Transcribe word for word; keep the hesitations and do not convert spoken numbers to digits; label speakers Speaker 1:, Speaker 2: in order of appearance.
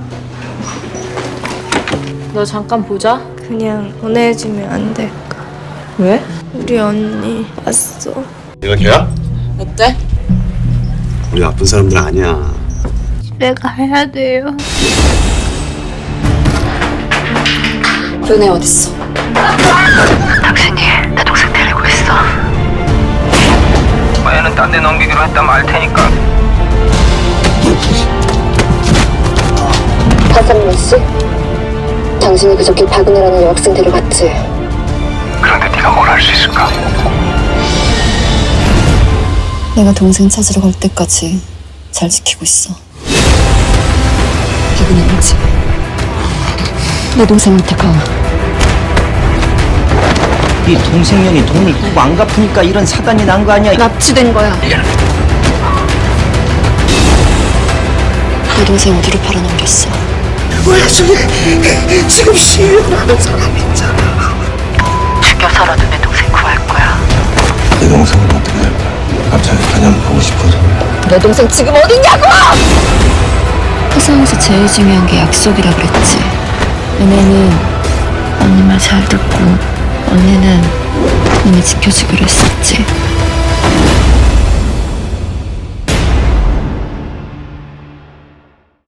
Speaker 1: 너 잠깐 보자.
Speaker 2: 그냥 보내주면 안 될까?
Speaker 1: 왜?
Speaker 2: 우리 언니 왔어.
Speaker 3: 내가 걔야?
Speaker 1: 어때?
Speaker 3: 우리 나쁜 사람들 아니야.
Speaker 2: 집에 가야 돼요.
Speaker 1: 은혜 어딨어?
Speaker 4: 당신이 내 동생 데리고 있어.
Speaker 5: 얘는 딴 데 넘기기로 했다면 알 테니까.
Speaker 6: 박상민 씨? 당신이 그저께 박은혜라는 여학생 데려갔지?
Speaker 5: 그런데 네가 뭘 할 수 있을까?
Speaker 6: 내가 동생 찾으러 갈 때까지 잘 지키고 있어. 박은혜는 지. 내 동생한테 가.
Speaker 7: 네 동생년이 돈을 꾹 안 갚으니까 이런 사단이 난 거 아니야?
Speaker 6: 납치된 거야. 내 동생 어디로 팔아넘겼어?
Speaker 7: 뭐야 저게 지금 시위하는 사람 있잖아.
Speaker 4: 죽여서라도 내 동생 구할 거야.
Speaker 3: 내 동생은 어떻게 할 거야? 갑자기 그냥 보고 싶어서.
Speaker 6: 내 동생 지금 어딨냐고! 세상에서 제일 중요한 게 약속이라 그랬지. 은혜는 언니 말 잘 듣고 언니는 언니 지켜주기로 했었지.